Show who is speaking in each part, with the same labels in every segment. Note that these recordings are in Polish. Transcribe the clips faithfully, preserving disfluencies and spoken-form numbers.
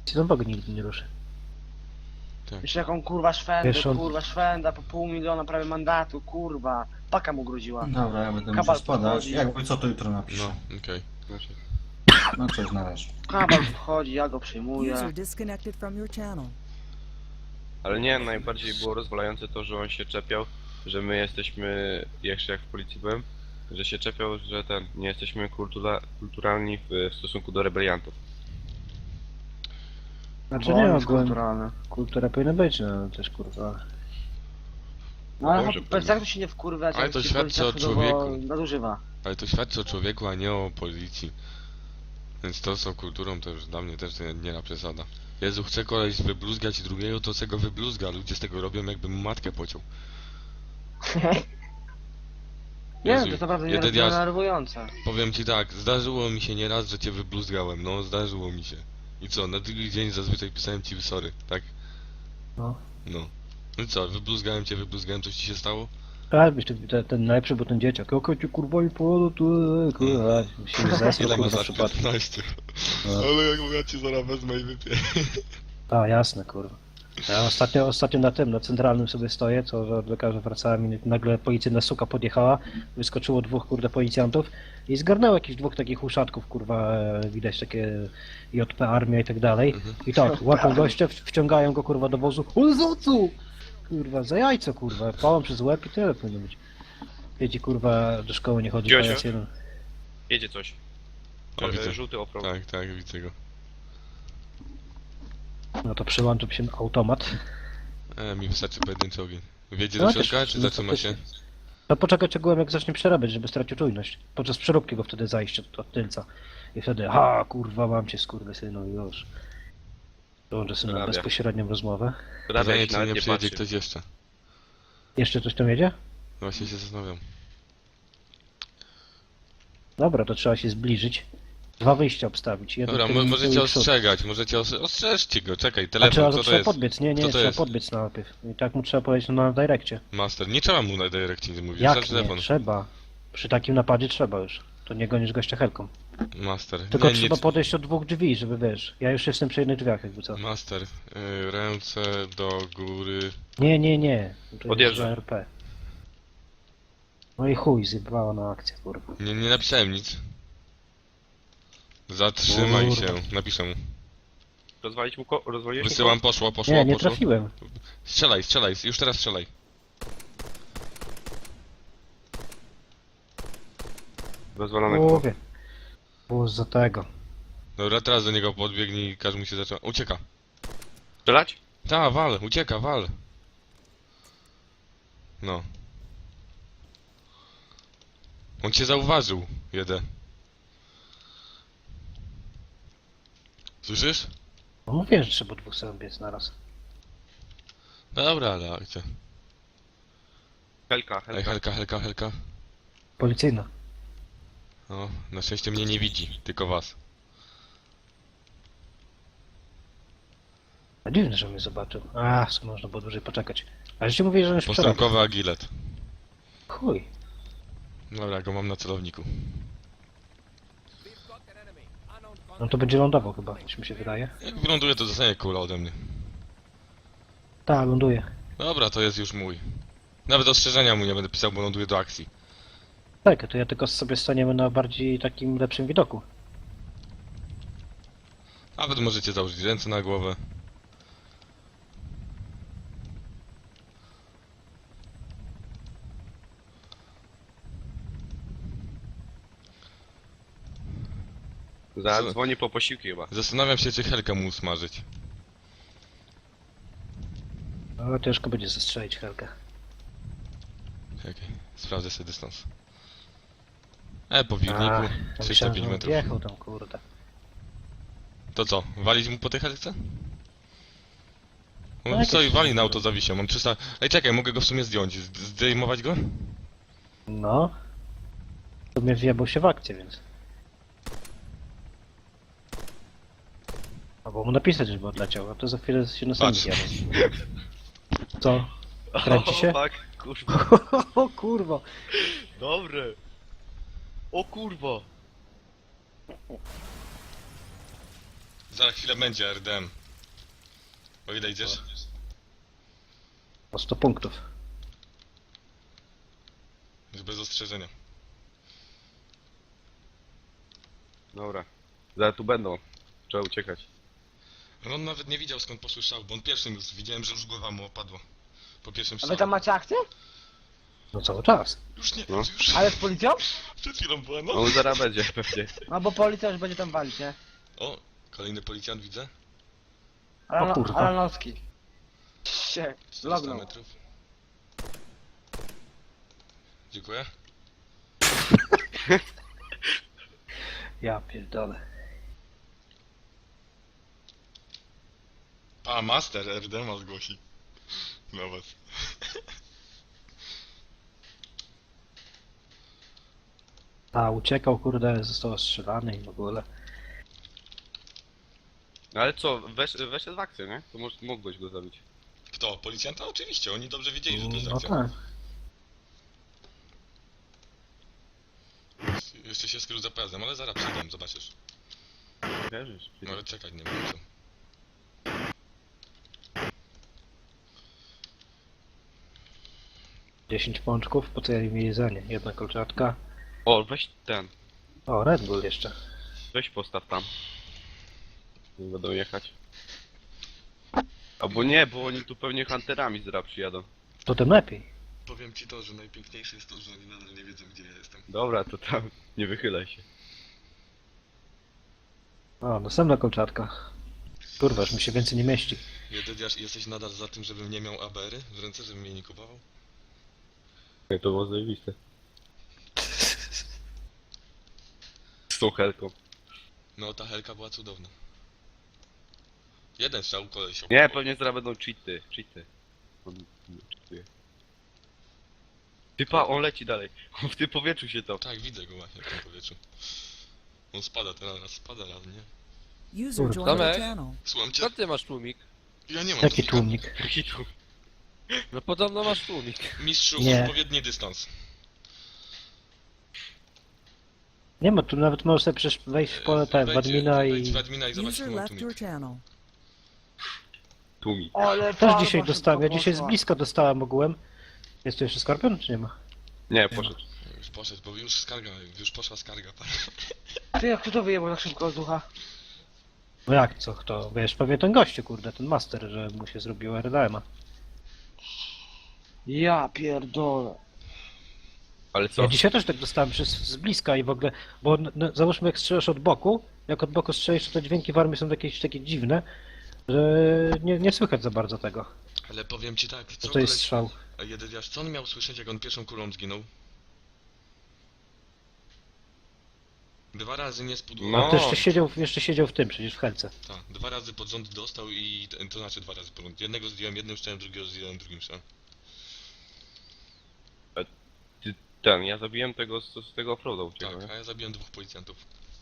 Speaker 1: Znowu go nigdy nie ruszy.
Speaker 2: Tak.
Speaker 3: Jeszcze jaką kurwa szwędę,
Speaker 1: Wiesz, on-
Speaker 3: kurwa szwęda, po pół miliona prawie mandatu, kurwa. Paka mu groziła.
Speaker 4: Dobra, ja będę
Speaker 3: Kabal
Speaker 4: musiał spadać.
Speaker 3: podchodzi.
Speaker 4: Jakby co, to jutro napiszę.
Speaker 2: No, okej.
Speaker 3: Znaczy,
Speaker 4: No cześć, na razie.
Speaker 3: kabal wchodzi, ja go przyjmuję.
Speaker 5: User disconnected from your channel.
Speaker 6: Ale nie, najbardziej było rozwalające to, że on się czepiał, że my jesteśmy, jeszcze jak w policji byłem, że się czepiał, że ten, nie jesteśmy kultura, kulturalni w, w stosunku do rebeliantów.
Speaker 1: Znaczy
Speaker 3: Bo
Speaker 1: nie,
Speaker 3: on jest
Speaker 1: ogółem
Speaker 3: kulturalny.
Speaker 1: kultura powinna być, no też kurwa.
Speaker 3: No ale
Speaker 6: Dobrze,
Speaker 3: chłop- jak to się nie wkurwiać,
Speaker 2: Ale
Speaker 3: jak
Speaker 2: to
Speaker 3: się
Speaker 2: świadczy
Speaker 3: policja
Speaker 2: o
Speaker 3: chudowo
Speaker 2: człowieku.
Speaker 3: nadużywa.
Speaker 2: Ale to świadczy o człowieku, a nie o policji. Więc to z kulturą to już dla mnie też nie, nie ma przesada. Jezu, chce koleś wybluzgać drugiego, to se go wybluzga. Ludzie z tego robią, jakby mu matkę pociął.
Speaker 3: Nie
Speaker 2: Jezu,
Speaker 3: wiem, to jest naprawdę
Speaker 2: jeden
Speaker 3: nie
Speaker 2: raz-
Speaker 3: denerwujące.
Speaker 2: Powiem ci tak, zdarzyło mi się nieraz, że cię wybluzgałem, no zdarzyło mi się. I co, na drugi dzień zazwyczaj pisałem ci sorry, tak?
Speaker 1: No.
Speaker 2: No. No i co, wybluzgałem cię, wybluzgałem, coś ci się stało?
Speaker 1: A, byś ten, ten, ten najlepszy był ten dzieciak. Jaka ci kurwa i pojadę tu, kurwa. Się zesłał
Speaker 2: Ile
Speaker 1: kurwa
Speaker 2: masz
Speaker 1: w
Speaker 2: lat?
Speaker 1: przypadku.
Speaker 2: piętnaście.
Speaker 1: No.
Speaker 2: Ale jak ja ci zaraz wezmę i wypiję.
Speaker 1: A, jasne, kurwa. Ja ostatnio, ostatnio na tym, na centralnym sobie stoję, co od lekarza wracałem i nagle policyjna suka podjechała, wyskoczyło dwóch, kurde, policjantów i zgarnęło jakichś dwóch takich uszatków, kurwa, e, widać takie J P Armia i tak dalej.
Speaker 2: Mhm.
Speaker 1: I tak, łapią gościa, w- wciągają go, kurwa, do wozu. On za co? Kurwa, za jajco, kurwa, pałam przez łeb i tyle powinno być. Wiecie, kurwa, do szkoły nie chodzi,
Speaker 6: Dziosio?
Speaker 1: pajac jeden.
Speaker 6: Jedzie coś.
Speaker 2: O, widzę.
Speaker 6: E, Żółty offroad.
Speaker 2: Tak, tak, widzę go.
Speaker 1: No to przyłączył się automat.
Speaker 2: E, mi wystarczy pojedynczy ogień. Wiedzie
Speaker 1: No,
Speaker 2: do
Speaker 1: też-
Speaker 2: środka, czy
Speaker 1: no,
Speaker 2: zatrzyma się?
Speaker 1: faktycznie. No poczekać ogółem jak zacznie przerabiać, żeby stracił czujność. Podczas przeróbki go wtedy zajście od, od tylca. I wtedy, ha kurwa mam cię skurwysynu i już. Dołączę sobie na
Speaker 6: Przerabia.
Speaker 1: bezpośrednią rozmowę.
Speaker 6: Prawie
Speaker 2: Pytanie,
Speaker 6: się
Speaker 2: czy
Speaker 6: nawet
Speaker 2: nie
Speaker 6: nie
Speaker 2: przyjedzie
Speaker 6: patrzy.
Speaker 2: ktoś jeszcze.
Speaker 1: Jeszcze coś tam jedzie?
Speaker 2: Właśnie się zastanawiam.
Speaker 1: Dobra, to trzeba się zbliżyć. Dwa wyjścia obstawić. Jedno
Speaker 2: Dobra,
Speaker 1: tył
Speaker 2: mo
Speaker 1: i
Speaker 2: możecie
Speaker 1: przód.
Speaker 2: ostrzegać, możecie os ostrzeżcie go, czekaj,
Speaker 1: A
Speaker 2: telefon,
Speaker 1: trzeba,
Speaker 2: co to
Speaker 1: trzeba
Speaker 2: jest?
Speaker 1: podbiec, nie, nie,
Speaker 2: Co to
Speaker 1: trzeba
Speaker 2: jest?
Speaker 1: podbiec najpierw. I tak mu trzeba powiedzieć no, na direkcie.
Speaker 2: Master, nie trzeba mu na direkcie nie mówić,
Speaker 1: Jak
Speaker 2: wystarczy telefon.
Speaker 1: nie? Trzeba. Przy takim napadzie trzeba już. To nie gonisz gościa helką.
Speaker 2: Master,
Speaker 1: Tylko
Speaker 2: nie,
Speaker 1: trzeba
Speaker 2: nie,
Speaker 1: podejść od dwóch drzwi, żeby wiesz. Ja już jestem przy jednych drzwiach jakby co.
Speaker 2: Master, y, ręce do góry.
Speaker 1: Nie, nie, nie. To
Speaker 6: Odjeżdża.
Speaker 1: jest R P. No i chuj, zjebała na akcję, kurwa.
Speaker 2: Nie, nie napisałem nic. Zatrzymaj
Speaker 1: Kurde.
Speaker 2: się, napiszę mu.
Speaker 6: Rozwalić mu ko... rozwaliłeś mu
Speaker 2: Wysyłam, poszło, poszło,
Speaker 1: Nie, nie
Speaker 2: poszło.
Speaker 1: trafiłem.
Speaker 2: Strzelaj, strzelaj, już teraz strzelaj.
Speaker 6: ko? Rozwalone ko.
Speaker 1: Mówię. Było za tego.
Speaker 2: Dobra, teraz do niego podbiegnij i każ mu się zacząć. Ucieka.
Speaker 6: Strzelać?
Speaker 2: Ta, wal, ucieka, wal. No. On cię zauważył, jeden. Słyszysz?
Speaker 1: No mówię, że trzeba dwóch sobie biec naraz.
Speaker 2: Dobra, ale akcja.
Speaker 6: Helka,
Speaker 2: Ej,
Speaker 6: helka.
Speaker 2: helka, helka, helka.
Speaker 1: Policyjna.
Speaker 2: No, na szczęście mnie nie widzi, tylko was.
Speaker 1: A dziwne, że mnie zobaczył. A, skąd można było dłużej poczekać. A żeście mówili, że on już przerabiał.
Speaker 2: Postępkowy agilet.
Speaker 1: Chuj.
Speaker 2: Dobra, go mam na celowniku.
Speaker 1: No to będzie lądował chyba, coś mi się wydaje.
Speaker 2: Jak wyląduje, to dostanie kula ode mnie.
Speaker 1: Tak, ląduje.
Speaker 2: Dobra, to jest już mój. Nawet ostrzeżenia mu nie będę pisał, bo ląduje do akcji.
Speaker 1: Tak, to ja tylko sobie staniemy na bardziej takim lepszym widoku.
Speaker 2: Nawet możecie założyć ręce na głowę.
Speaker 6: Zadzwoni po posiłki chyba.
Speaker 2: Zastanawiam się, czy helkę mu smażyć.
Speaker 1: No ciężko będzie zestrzelić helkę.
Speaker 2: Czekaj, sprawdzę sobie dystans. E, po
Speaker 1: A,
Speaker 2: wirniku,
Speaker 1: ja
Speaker 2: trzysta
Speaker 1: myślałem,
Speaker 2: pięć
Speaker 1: że on
Speaker 2: metrów.
Speaker 1: Jechał tam, kurde.
Speaker 2: To co, walić mu po tej helce?
Speaker 1: No,
Speaker 2: On
Speaker 1: jakieś-
Speaker 2: stoi, wali na auto zawisio, mam trzysta... Ej, czekaj, mogę go w sumie zdjąć, Z- zdejmować go?
Speaker 1: No. To mnie wjebał się w akcję, więc. Albo mu napisać, żeby odleciał, a to za chwilę się na sam
Speaker 2: Patrz.
Speaker 1: zjadę. Co? Kręci się?
Speaker 6: O, tak, kurwa.
Speaker 1: O kurwa!
Speaker 6: Dobre. O kurwa.
Speaker 2: Za chwilę będzie R D M. O ile idziesz?
Speaker 1: O sto punktów.
Speaker 2: Już bez ostrzeżenia.
Speaker 6: Dobra. Zaraz tu będą. Trzeba uciekać.
Speaker 2: No on nawet nie widział skąd poszły strzały, bo on pierwszym już widziałem, że już głowa mu opadła. Po pierwszym
Speaker 3: A
Speaker 2: strzale.
Speaker 3: wy tam macie akcję?
Speaker 1: No cały czas.
Speaker 2: Już nie,
Speaker 6: No.
Speaker 2: już.
Speaker 3: Ale z policją?
Speaker 2: Przed chwilą była, no.
Speaker 6: On zaraz będzie pewnie.
Speaker 3: No bo policja już będzie tam walić, nie?
Speaker 2: O, kolejny policjant widzę.
Speaker 3: Alano-
Speaker 1: kurwa.
Speaker 3: Alanowski. Się,
Speaker 2: czterysta
Speaker 3: lognął.
Speaker 2: metrów. Dziękuję.
Speaker 1: Ja pierdolę.
Speaker 2: A, master R D M zgłosi. Na was.
Speaker 1: A uciekał, kurde, został ostrzelany i w ogóle.
Speaker 6: No ale co, wesz, weszedł w akcję, nie? To może, mógłbyś go zabić.
Speaker 2: Kto? Policjanta? Oczywiście, oni dobrze wiedzieli, że to jest
Speaker 1: No
Speaker 2: akcja.
Speaker 1: tak.
Speaker 2: Jeszcze się skrył za pojazdem, ale zaraz przyjdę, zobaczysz.
Speaker 6: Wierzysz?
Speaker 2: No ale czekać nie wiem co.
Speaker 1: dziesięć pączków, po co ja im jedzenie? Jedna kolczatka.
Speaker 6: O, weź ten.
Speaker 1: O, Red Bull jeszcze.
Speaker 6: Weź postaw tam. Nie będą jechać. Albo nie, bo oni tu pewnie hunterami zaraz przyjadą.
Speaker 1: To tym lepiej.
Speaker 2: Powiem ci to, że najpiękniejsze jest to, że oni nadal nie wiedzą gdzie ja jestem.
Speaker 6: Dobra, to tam nie wychylaj się.
Speaker 1: O, następna kolczatka. Kurwa, już mi się więcej nie mieści.
Speaker 2: Jedyniasz, jesteś nadal za tym, żebym nie miał A B R-y w ręce, żebym jej nie kupował?
Speaker 6: Jak to było zajebiste. Z tą helką.
Speaker 2: No ta helka była cudowna. Jeden strzał koleś.
Speaker 6: Nie, pewnie zaraz będą cheaty. Cheaty. On nie cheatuje. Typa, on leci dalej. On w tym powietrzu się to.
Speaker 2: Tak, widzę go właśnie w tym powietrzu. On spada teraz, raz spada, raz nie.
Speaker 5: User
Speaker 1: Kurwa.
Speaker 5: joined your
Speaker 7: Tomek?
Speaker 5: channel.
Speaker 2: Słucham cię?
Speaker 7: Co ty masz tłumik?
Speaker 2: Ja nie mam
Speaker 1: Jaki
Speaker 2: tłumika.
Speaker 1: tłumik?
Speaker 6: Hitu.
Speaker 7: No podobno masz tłumik.
Speaker 2: Mistrzu,
Speaker 1: Nie.
Speaker 2: odpowiedni dystans.
Speaker 1: Nie ma, tu nawet możesz sobie przecież wejść w pole tak, w
Speaker 2: Wejdź-
Speaker 1: admina
Speaker 2: wejdź
Speaker 1: i...
Speaker 2: w admina i zobacz,
Speaker 5: User
Speaker 2: jaki mam
Speaker 5: left your
Speaker 2: tłumik.
Speaker 5: channel.
Speaker 6: Tłumi.
Speaker 3: Ale
Speaker 1: Też
Speaker 3: farba
Speaker 1: dzisiaj
Speaker 3: szybko
Speaker 1: dostałem, ja dzisiaj z
Speaker 3: poszła.
Speaker 1: bliska dostałem ogółem. Jest tu jeszcze skorpion, czy nie ma?
Speaker 6: Nie, poszedł.
Speaker 2: Już poszedł, bo już skarga, już poszła skarga.
Speaker 3: Ty, jak kto to wyjebał tak szybko z ducha?
Speaker 1: No jak, co, kto? Wiesz, pewnie ten gościu, kurde, ten master, że mu się zrobiło R D M-a.
Speaker 3: Ja pierdolę.
Speaker 6: Ale co?
Speaker 1: Ja dzisiaj też tak dostałem przez, z bliska i w ogóle, bo no, załóżmy jak strzelasz od boku, jak od boku strzelisz, to te dźwięki w armii są jakieś takie dziwne, że nie, nie słychać za bardzo tego,
Speaker 2: Ale powiem ci tak, co
Speaker 1: że to jest
Speaker 2: koleś-
Speaker 1: strzał.
Speaker 2: A jedyniarz, co on miał słyszeć, jak on pierwszą kulą zginął? Dwa razy nie spudło.
Speaker 6: No.
Speaker 1: A to jeszcze siedział, jeszcze siedział w tym, przecież w helce.
Speaker 2: Tak, dwa razy pod rząd dostał i to, to znaczy dwa razy pod rząd. Jednego zdjąłem jednym strzałem, drugiego zdjąłem drugim strzałem.
Speaker 6: Ten, ja zabiłem tego z, z tego offroada uciekał,
Speaker 2: Tak,
Speaker 6: nie?
Speaker 2: a ja zabiłem dwóch policjantów.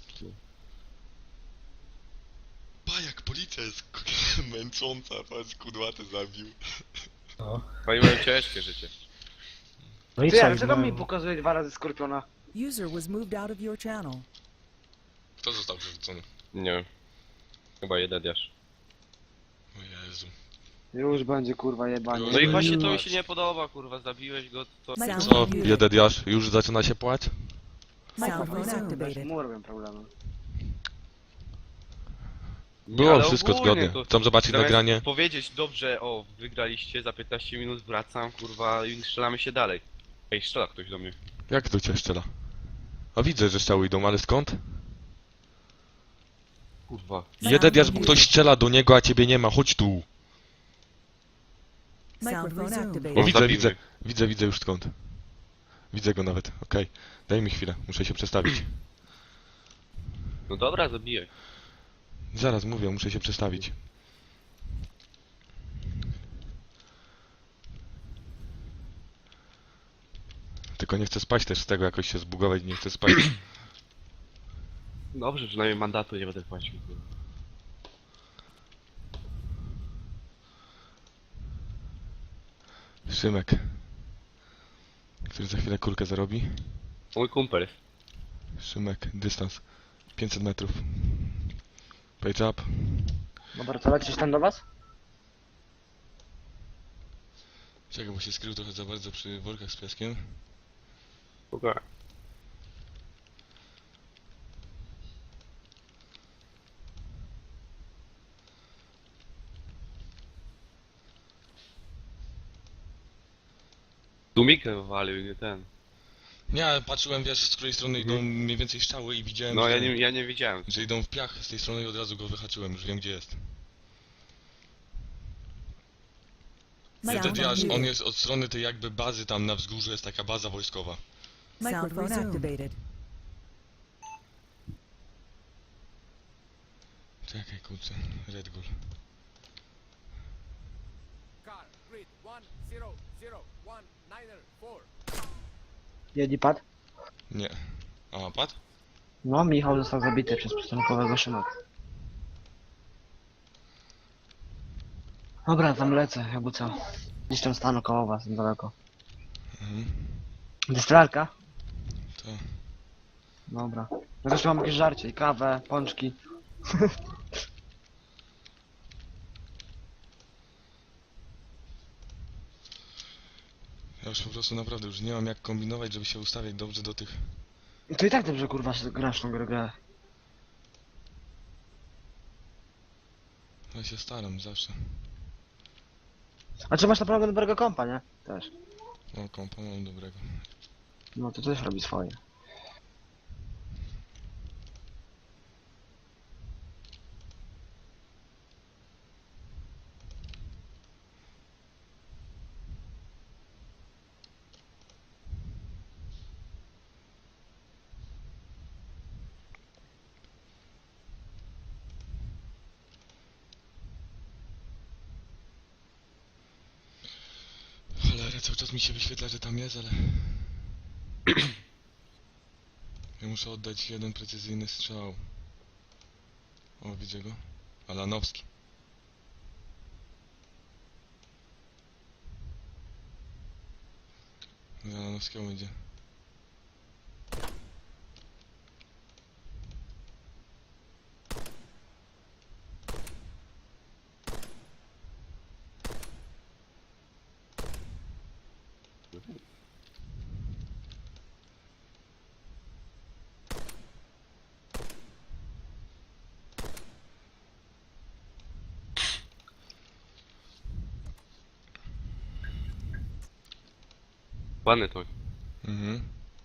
Speaker 2: Pa, jak policja jest k- męcząca, patrz, kudłaty zabił.
Speaker 1: No,
Speaker 6: Oni mają ciężkie życie.
Speaker 1: no i
Speaker 3: Ty,
Speaker 1: co?
Speaker 3: ale
Speaker 1: i
Speaker 3: dlaczego
Speaker 1: mają-
Speaker 3: mi pokazuje dwa razy skorpiona?
Speaker 5: User was moved out of your channel.
Speaker 2: Kto został przerzucony?
Speaker 6: Nie wiem. Chyba jeden diasz.
Speaker 2: O Jezu.
Speaker 3: Już będzie kurwa jebanie.
Speaker 6: No i właśnie to mi się nie podoba, kurwa, zabiłeś go, to...
Speaker 5: Sound
Speaker 2: Co,
Speaker 5: muted.
Speaker 2: biedediarz, już zaczyna się płać?
Speaker 5: Sound
Speaker 3: Bez
Speaker 5: activated.
Speaker 3: mu robią problemy.
Speaker 6: Nie,
Speaker 2: Było
Speaker 6: ale
Speaker 2: wszystko
Speaker 6: ogólnie
Speaker 2: zgodnie.
Speaker 6: to-
Speaker 2: Chcą zobaczyć
Speaker 6: Zamiast
Speaker 2: nagranie?
Speaker 6: powiedzieć, dobrze, o, wygraliście, za piętnaście minut wracam, kurwa, i strzelamy się dalej. Ej, strzela ktoś do mnie.
Speaker 2: Jak to cię strzela? A widzę, że strzały idą, ale skąd?
Speaker 6: Kurwa.
Speaker 2: Jedyniarz, bo ktoś strzela do niego, a ciebie nie ma, chodź tu.
Speaker 5: Sound
Speaker 6: O,
Speaker 2: O,
Speaker 5: resumed.
Speaker 2: widzę,
Speaker 6: zabił
Speaker 2: widzę,
Speaker 6: mnie.
Speaker 2: widzę, widzę już skąd. Widzę go nawet, okej. Daj mi chwilę, muszę się przestawić.
Speaker 6: No dobra, zabiję.
Speaker 2: Zaraz mówię, muszę się przestawić. Tylko nie chcę spać też z tego, jakoś się zbugować, nie chcę spać.
Speaker 6: Dobrze, przynajmniej mandatu nie będę płacił. kurwa.
Speaker 2: Szymek, który za chwilę kulkę zarobi.
Speaker 6: Mój kumpel jest.
Speaker 2: Szymek, dystans pięćset metrów. Page up.
Speaker 3: Dobra, to lecisz tam do was?
Speaker 2: Czekaj, bo się skrył trochę za bardzo przy workach z piaskiem.
Speaker 6: Spokojnie. Tłumikę wywalił, nie ten.
Speaker 2: Nie, ale patrzyłem, wiesz, z której strony idą mniej więcej strzały i widziałem,
Speaker 6: No
Speaker 2: że,
Speaker 6: ja nie, ja nie widziałem.
Speaker 2: że idą w piach z tej strony i od razu go wyhaczyłem, już wiem gdzie jest.
Speaker 5: Sound
Speaker 2: Wtedy aż on
Speaker 5: muted.
Speaker 2: jest od strony tej jakby bazy, tam na wzgórzu jest taka baza wojskowa.
Speaker 5: Sound
Speaker 8: Microphone
Speaker 5: resumed.
Speaker 8: activated.
Speaker 2: Czekaj, kurczę, Red Bull.
Speaker 7: Car, grid, one, zero, zero, one, niner, four.
Speaker 3: Jedni padł?
Speaker 2: Nie. A, padł?
Speaker 3: No, Michał został zabity przez przystankowego Szyma. Dobra, tam lecę, jakby co. Gdzieś tam stanę koło was, daleko.
Speaker 2: Mhm.
Speaker 3: Dystralka?
Speaker 2: To.
Speaker 3: Dobra. No też mam jakieś żarcie, i kawę, pączki.
Speaker 2: Ja już po prostu naprawdę już nie mam jak kombinować, żeby się ustawiać dobrze do tych...
Speaker 3: To i tak dobrze kurwa się grasz tą grę, grę.
Speaker 2: Ja się staram zawsze.
Speaker 3: A czy masz naprawdę dobrego kompa, nie? Też.
Speaker 2: O, kompa mam dobrego.
Speaker 3: No to też robi swoje.
Speaker 2: Cholera, cały czas mi się wyświetla, że tam jest, ale... Ja muszę oddać jeden precyzyjny strzał. O, widzę go. Alanowski. Z Alanowskiego idzie.
Speaker 6: Ładny to.
Speaker 2: Mhm.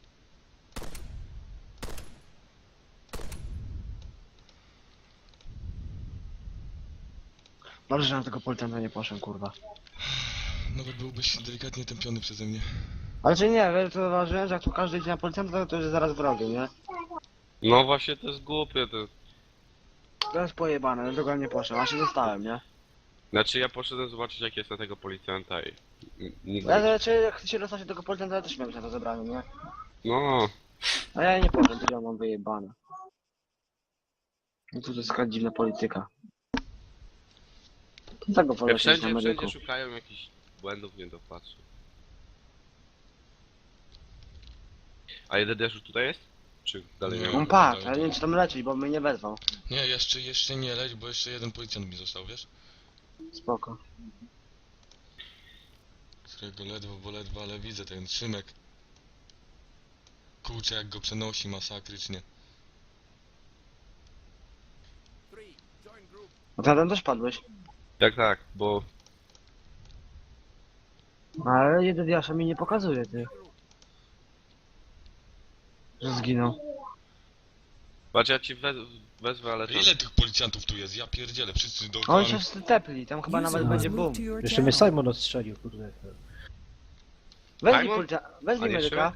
Speaker 3: Dobrze, że na tego policjanta nie poszedłem, kurwa.
Speaker 2: Nawet byłbyś delikatnie tępiony przeze mnie.
Speaker 3: Ale czy nie, wiesz co zauważyłem, że jak tu każdy idzie na policjanta, to już jest zaraz wrogiem, nie?
Speaker 6: No właśnie to jest głupie to.
Speaker 3: To jest pojebane, dlatego ja nie poszedłem, a się dostałem, nie?
Speaker 6: Znaczy ja poszedłem zobaczyć jak jest na tego policjanta i... n- Nigdy...
Speaker 3: Ja znaczy, jak chcę się dostać do tego policjanta, ja też miałem się na to zebranie, nie?
Speaker 6: No,
Speaker 3: A ja nie poszedłem, to ja mam wyjebane. No to jest taka dziwna polityka. Tego wolę
Speaker 6: ja
Speaker 3: się na
Speaker 6: wszędzie,
Speaker 3: medyku.
Speaker 6: wszędzie szukają jakichś błędów, nie dopatrzę. A jeden już tutaj jest? Czy dalej nie
Speaker 2: Nie.
Speaker 6: ma?
Speaker 3: On padł, ale nie wiem czy tam lecieć, bo mnie nie wezwał.
Speaker 2: Nie, jeszcze, jeszcze nie leć, bo jeszcze jeden policjant mi został, wiesz?
Speaker 3: Spoko.
Speaker 2: Którego ledwo, bo ledwo, ale widzę ten Szymek. Kurczę, jak go przenosi masakrycznie.
Speaker 7: Three, join group.
Speaker 3: No to tam też padłeś.
Speaker 6: Tak, tak, bo...
Speaker 3: Ale jeden Jasza mi nie pokazuje, ty. Że zginął.
Speaker 6: Patrz, ja ci wez wezwę, ale to...
Speaker 2: Ile tych policjantów tu jest? Ja pierdzielę, wszyscy do
Speaker 3: Oni się wszyscy tepli, tam chyba
Speaker 5: User
Speaker 3: nawet
Speaker 5: was
Speaker 3: będzie
Speaker 5: moved
Speaker 3: boom.
Speaker 5: to your
Speaker 1: Jeszcze mnie
Speaker 5: channel.
Speaker 1: Simon odstrzelił, kurde.
Speaker 3: Weźmij
Speaker 6: Simon?
Speaker 3: policja...
Speaker 6: A
Speaker 3: Weźmij
Speaker 6: nie
Speaker 3: medyka.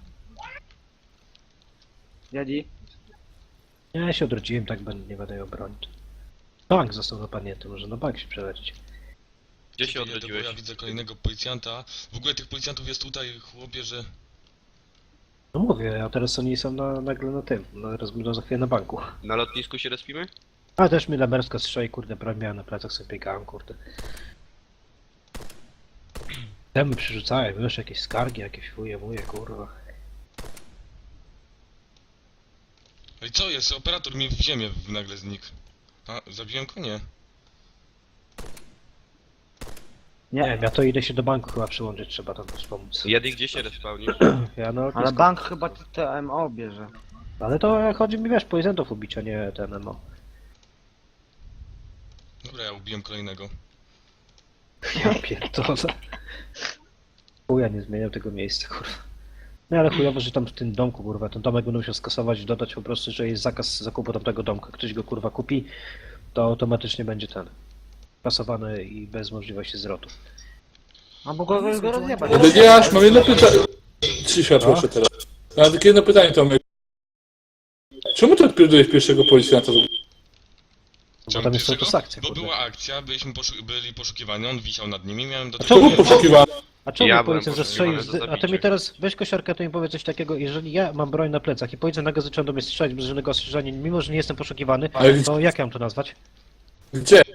Speaker 3: Jadi.
Speaker 1: Ja się odrodziłem, tak będę, nie będę ją bronić. Bank został napadnięty, może na bank się przelecieć.
Speaker 6: Gdzie się
Speaker 2: Jedę, bo
Speaker 6: odrodziłeś?
Speaker 2: ja widzę kolejnego policjanta. W ogóle tych policjantów jest tutaj, chłopie, że...
Speaker 1: No mówię, a teraz oni są na, nagle na tym, no, teraz będą za chwilę na banku.
Speaker 6: Na lotnisku się respimy?
Speaker 1: A też mnie Lemerska strzeli, kurde, broń miałem na plecach, sobie biegałem, kurde. Temu przerzucałem, już jakieś skargi, jakieś fuje, muje, kurwa.
Speaker 2: No i co jest? Operator mi w ziemię nagle znikł. A, zabiłem go? Nie.
Speaker 1: Nie wiem, ja to idę się do banku chyba przyłączyć, trzeba tam też pomóc.
Speaker 6: Jedy, gdzie się respawnisz?
Speaker 1: Ja no,
Speaker 3: Ale bank chyba T M O bierze.
Speaker 1: ale to chodzi mi, wiesz, policjantów ubić, a nie ten M O.
Speaker 2: Dobra, ja ubiłem kolejnego.
Speaker 1: Ja pierdolę. Chuja nie zmieniał tego miejsca, kurwa. No ale chujowo, że tam w tym domku, kurwa, ten domek będą musiał skasować, dodać po prostu, że jest zakaz zakupu tamtego domka. Ktoś go, kurwa, kupi, to automatycznie będzie ten. Kasowany i bez możliwości zwrotu.
Speaker 3: A bo go, go rozjebać.
Speaker 8: Powiedziałaś, mam jedno pytanie. Cisza proszę teraz. Mam takie jedno pytanie, Tomek. Czemu ty odpierdolałeś pierwszego policjanta?
Speaker 1: Bo
Speaker 2: Czemu
Speaker 1: tam jest
Speaker 2: pierwszego?
Speaker 1: autosakcja,
Speaker 2: Bo
Speaker 1: kurde.
Speaker 2: była akcja, byliśmy poszu byli poszukiwani, on wisiał nad nimi, miałem do
Speaker 1: A
Speaker 2: tego...
Speaker 1: czemu
Speaker 8: Czemu poszukiwany?
Speaker 1: A czemu
Speaker 6: Ja
Speaker 1: mi
Speaker 6: byłem
Speaker 1: policjant zastrzelił,
Speaker 6: poszukiwany
Speaker 1: z...
Speaker 6: za
Speaker 1: a ty mi
Speaker 6: zabicie.
Speaker 1: teraz, weź kosiarkę, to mi powiedz coś takiego, jeżeli ja mam broń na plecach i policjant nagle zaczął do mnie strzelać bez żadnego ostrzeżenia, mimo że nie jestem poszukiwany,
Speaker 8: Ale
Speaker 1: to jak ja mam to nazwać?
Speaker 8: gdzie?